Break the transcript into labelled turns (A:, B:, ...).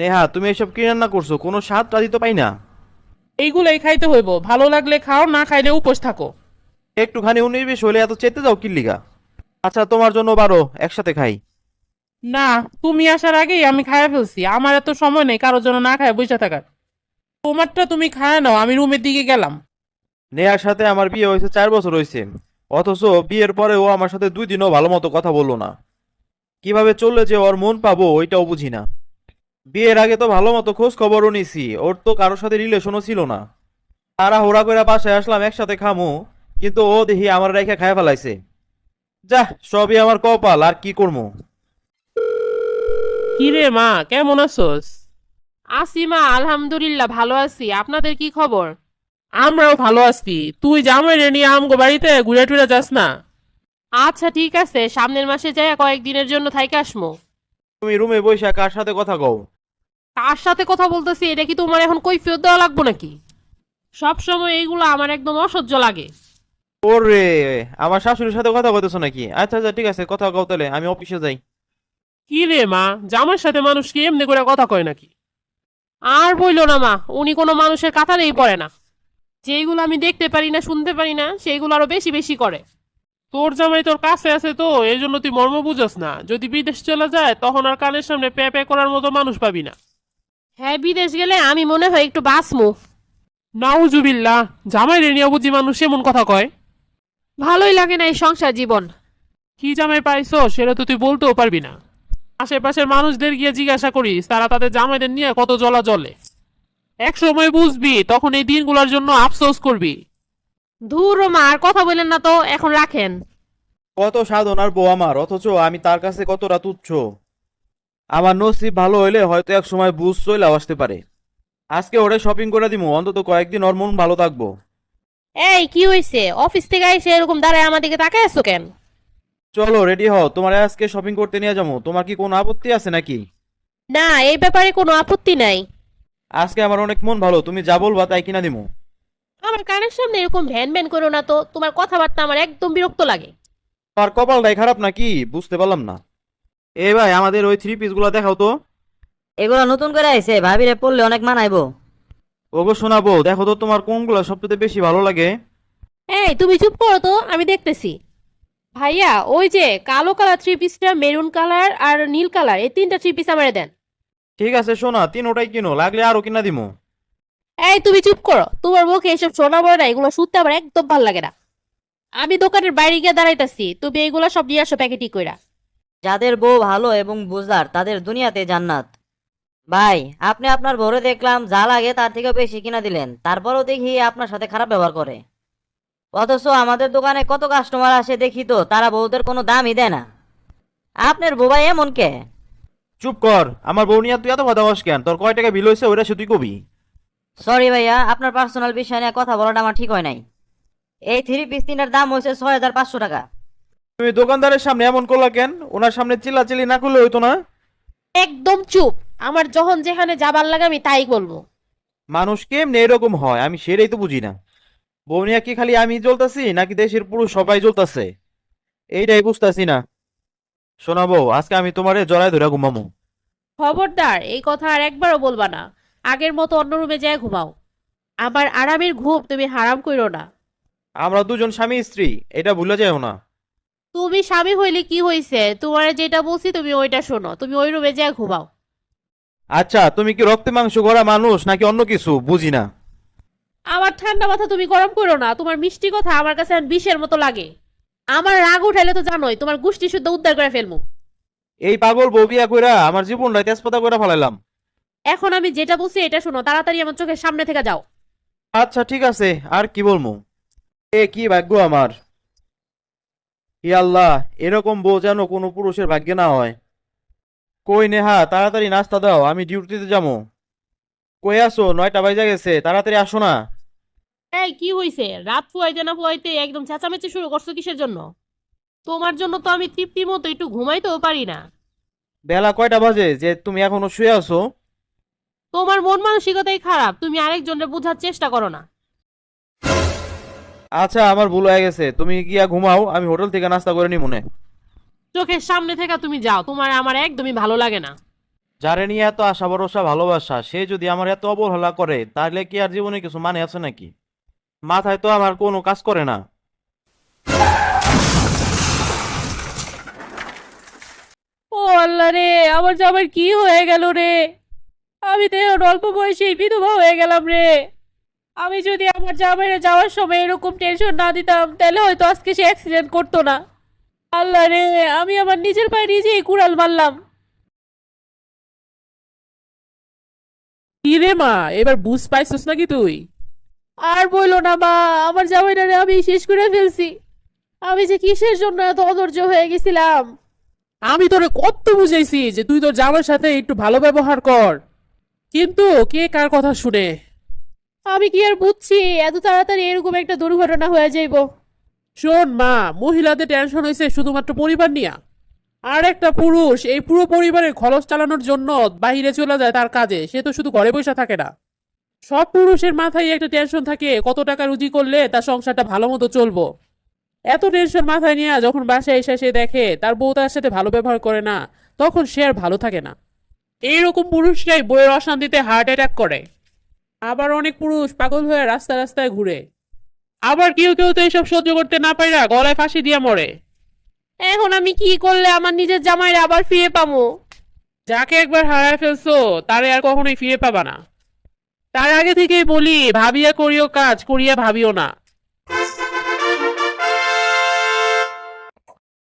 A: নেহা, তুমি এসব কি রান্না করছো? কোনো স্বাদ টাদি তো পাই না।
B: এইগুলাই খাইতে হইব, ভালো লাগলে খাও, না খাইলে উপোস থাকো।
A: একটুখানি 19-20 হলে এত চেতে যাও কিল্লিগা? আচ্ছা, তোমার জন্য 12 একসাথে খাই।
B: না, তুমি আসার আগেই আমি খাইয়া ফেলছি, আমার এত সময় নেই কারোর জন্য না খায় বসে থাকার। তোমারটা তুমি খায় নাও, আমি রুমের দিকে গেলাম।
A: নেহার সাথে আমার বিয়ে হয়েছে 4 বছর হয়েছে, অথচ বিয়ের পরে ও আমার সাথে 2 দিনও ভালো মতো কথা বললো না। কিভাবে চললে যে ওর মন পাবো ওইটাও বুঝি না। বিয়ের আগে তো ভালো মতো খোঁজ খবরও নিছি, ওর তো কারোর সাথে রিলেশনও ছিল না। তারা হোড়া করে বাসায় আসলাম একসাথে খামু, কিন্তু ও দেখি আমার রেখে খায় ফেলাইছে। যা, সবই আমার কপাল, আর কি করবো।
B: কি রে মা, কেমন আছোস?
C: আছি মা, আলহামদুলিল্লাহ ভালো আছি। আপনাদের কি খবর?
B: আমরাও ভালো আছি। তুই জামাই রে নিয়ে আমগো বাড়িতে ঘুরে টুরে যাস না?
C: আচ্ছা ঠিক আছে, সামনের মাসে যাই কয়েকদিনের জন্য থাইকে আসমো।
A: তুমি রুমে বসে কার সাথে কথা কও?
C: কার সাথে কথা বলতেছি এটা কি তোমার এখন কৈফিয়ত দেওয়া লাগবো নাকি? সব সময় এইগুলো আমার একদম অসহ্য লাগে।
A: ওরে, আমার শাশুড়ির সাথে কথা বলতেছো নাকি? আচ্ছা আচ্ছা, ঠিক আছে, কথা কও তাহলে, আমি অফিসে যাই।
B: কি রে মা, জামাইয়ের সাথে মানুষ কি এমনি করে কথা কয় নাকি?
C: আর বইলো না মা, উনি কোনো মানুষের কাতারেই পড়ে না। যেইগুলো আমি দেখতে পারি না শুনতে পারি না সেইগুলো আরো বেশি বেশি করে।
B: তোর জামাই তোর কাছে আছে তো এই জন্য তুই মর্ম বুঝস না। যদি বিদেশ চলে যায় তখন আর কানের সামনে পে পে করার মতো মানুষ পাবি না।
C: হ্যাঁ, বিদেশ গেলে আমি মনে হয় একটু বাঁচমু।
B: নাউজুবিল্লাহ, জামাই রে নিয়ে বুঝি মানুষ এমন কথা কয়?
C: ভালোই লাগে না এই সংসার জীবন।
B: কি জামাই পাইছো সেটা তো তুই বলতেও পারবি না। আশেপাশের মানুষদের গিয়ে জিজ্ঞাসা করিস তারা তাদের জামাইদের নিয়ে কত জ্বলা জ্বলে। এক সময় বুঝবি, তখন এই দিনগুলোর জন্য আফসোস করবি।
C: ধুর মা, আর কথা বলেন না তো, এখন রাখেন।
A: কত সাধনার বউ আমার, অথচ আমি তার কাছে কতটা তুচ্ছ। আমার নসিব ভালো হইলে হয়তো এক সময় বুঝ চলে আসতে পারে। আজকে ওরে শপিং করে দিমু, অন্তত কয়েকদিন ওর মন ভালো থাকবো।
C: এই কি হয়েছে? অফিস থেকে এসে এরকম দাঁড়ায় আমার দিকে তাকায় আছো কেন?
A: চলো রেডি হও, তোমার আজকে শপিং করতে নিয়ে যাবো। তোমার কি কোনো আপত্তি আছে নাকি?
C: না, এই ব্যাপারে কোনো আপত্তি নাই।
A: আজকে আমার অনেক মন ভালো, তুমি যা বলবা তাই কিনা দিমু।
C: আমার কানের সামনে এরকম ভ্যান ভ্যান করো না তো, তোমার কথাবার্তা আমার একদম বিরক্ত লাগে।
A: তোমার কপালটাই খারাপ নাকি, বুঝতে পারলাম না। এই ভাই, আমাদের ওই 3 পিস গুলা দেখাও তো।
D: এগুলো নতুন করে আইছে, ভাবিরে পড়লে অনেক মানাইবো।
A: ওগো শোনাবো, দেখো তো তোমার কোনগুলা সবচেয়ে বেশি ভালো লাগে।
C: এই তুমি চুপ করো তো, আমি দেখতেছি। ভাইয়া, ওই যে কালো কালার থ্রি পিসটা, মেরুন কালার আর নীল কালার, এই তিনটা থ্রি পিস আমারে দেন।
A: ঠিক আছে সোনা, 3ওটাই কিনো, লাগলে আরো কিনা দিমু।
C: এই তুমি চুপ করো, তোমার মুখে এসব শোনা বলে না, এগুলো শুনতে আমার একদম ভালো লাগে না। আমি দোকানের বাইরে গিয়ে দাঁড়াইতাছি, তুমি এইগুলা সব নিয়ে আসো প্যাকেটই কইরা।
D: যাদের বউ ভালো এবং বুঝদার তাদের দুনিয়াতে জান্নাত। ভাই, আপনি আপনার বউরে দেখলাম যা লাগে তার থেকে বেশি কিনা দিলেন, তারপরও দেখি আপনার সাথে খারাপ ব্যবহার করে। অথচ আমাদের দোকানে কত কাস্টমার আসে দেখি তো, তারা বউদের কোনো দামই দেয় না। আপনার বউ ভাই এমন কে?
A: চুপ কর, আমার বউ নিয়ে তুই এত কথা বস কেন? তোর কয় টাকা বিল হয়েছে ওইটা সে তুই কবি।
D: সরি ভাইয়া, আপনার পার্সোনাল বিষয় নিয়ে কথা বলাটা আমার ঠিক হয় নাই। এই 3 পিস 3টার দাম হয়েছে 6500 টাকা।
A: তুমি দোকানদারের সামনে এমন করলা কেন? ওনার সামনে চিল্লাচিল্লি না করলে হইতো না?
C: একদম চুপ, আমার যখন যেখানে যাবার লাগে আমি তাই বলবো।
A: মানুষ কেমনে এরকম হয় আমি সেটাই তো বুঝি না। বউ নিয়ে কি খালি আমি জ্বলতাছি নাকি দেশের পুরুষ সবাই জ্বলতাছে, এইটাই বুঝতাছি না। শোনাবো, আজকে আমি তোমারে জড়ায় ধরে ঘুমামু।
C: খবরদার এই কথা আর একবারও বলবা না। আগের মতো অন্য রুমে যায় ঘুমাও। আমার আরামের ঘুম তুমি হারাম কইরো না।
A: আমরা দুজন স্বামী স্ত্রী, এটা ভুলে যাও না।
C: তুমি স্বামী হইলে কি হইছে, তোমার যেটা বলছি তুমি ওইটা শোনো, তুমি ওই রুমে যায় ঘুমাও।
A: আচ্ছা, তুমি কি রক্তে মাংস গড়া মানুষ নাকি অন্য কিছু বুঝি না।
C: আমার ঠান্ডা মাথা তুমি গরম করো না, তোমার মিষ্টি কথা আমার কাছে এখন বিষের মতো লাগে। আমার রাগ উঠাইলে তো জানোই তোমার গুষ্টি শুদ্ধ উদ্ধার করে ফেলবো।
A: এই পাগল বউ বিয়া কইরা আমার জীবনটা তেজপাতা করে ফেলাইলাম।
C: এখন আমি যেটা বলছি এটা শোনো, তাড়াতাড়ি আমার চোখের সামনে থেকে যাও।
A: আচ্ছা ঠিক আছে, আর কি বলবো। এ কি ভাগ্য আমার। ই আল্লাহ, এরকম বউ যেন কোনো পুরুষের ভাগ্যে না হয়। কই নেহা, তাড়াতাড়ি নাস্তা দাও, আমি ডিউটিতে যাবো। কই আসো? 9টা বাজে গেছে, তাড়াতাড়ি আসো না।
C: এই কি হইছে? রাত ফুয়াইতে না ফুয়াইতে একদম চেঁচামেচি শুরু করছো কিসের জন্য? তোমার জন্য তো আমি তৃপ্তি মতো একটু ঘুমাইতেও পারি না।
A: বেলা কয়টা বাজে যে তুমি এখনো শুয়ে আছো?
C: তোমার মন মানসিকতাই খারাপ, তুমি আরেকজনের বোঝার চেষ্টা করো না।
A: আচ্ছা, আমার ভুল হয়ে গেছে, তুমি গিয়া ঘুমাও, আমি হোটেল থেকে নাস্তা করে নি মনে।
C: চোখের সামনে থেকে তুমি যাও, তোমার আমার একদমই ভালো লাগে না।
A: যারে নিয়ে এত আশা ভরসা ভালোবাসা সে যদি আমার এত অবহেলা করে তাহলে কি আর জীবনে কিছু মানে আছে নাকি? মাথায় তো আমার কোনো কাজ করে না।
C: ও আল্লাহ রে, আমার জামাইয়ের কি হয়ে গেল রে? আমি তো এখন অল্প বয়সেই বিধবা হয়ে গেলাম রে। আমি যদি আমার জামাইরে যাওয়ার সময় এরকম টেনশন না দিতাম তাহলে হয়তো আজকে সে অ্যাক্সিডেন্ট করতো না। আল্লাহ রে, আমি আমার নিজের পায়ে নিজেই কুড়াল মারলাম।
B: কি রে মা, এবার বুঝ পাইছস নাকি তুই?
C: আর বইলো না মা, আমার জামাইটারে আমি শেষ করে ফেলছি। আমি যে কিসের জন্য এত অধৈর্য হয়ে গেছিলাম।
B: আমি তোরে কত বুঝাইছি যে তুই তোর জামার সাথে একটু ভালো ব্যবহার কর, কিন্তু কে কার কথা শুনে।
C: আমি কি আর বুঝছি এত তাড়াতাড়ি এরকম একটা দুর্ঘটনা হয়ে যাইব।
B: শোন মা, মহিলাদের টেনশন হয়েছে শুধুমাত্র পরিবার নিয়ে। আর একটা পুরুষ এই পুরো পরিবারের খরচ চালানোর জন্য বাইরে চলে যায় তার কাজে, সে তো শুধু ঘরে বসে থাকে না। সব পুরুষের মাথায় একটা টেনশন থাকে কত টাকা রুজি করলে তার সংসারটা ভালো মতো চলবো। এত টেনশন মাথায় নিয়ে যখন বাসায় এসে সে দেখে তার বউ তার সাথে ভালো ব্যবহার করে না, তখন সে আর ভালো থাকে না। এইরকম পুরুষরাই বইয়ের অশান্তিতে হার্ট অ্যাটাক করে। আবার অনেক পুরুষ পাগল হয়ে রাস্তায় রাস্তায় ঘুরে। আবার কেউ কেউ তো এইসব সহ্য করতে না পাইরা গলায় ফাঁসি দিয়ে মরে।
C: এখন আমি কি করলে আমার নিজের জামাইরে আবার ফিরে পাবো?
B: যাকে একবার হারায় ফেলছো তারে আর কখনোই ফিরে পাবা না। তার আগে থেকেই বলি, ভাবিয়া করিও কাজ, করিয়া ভাবিও না।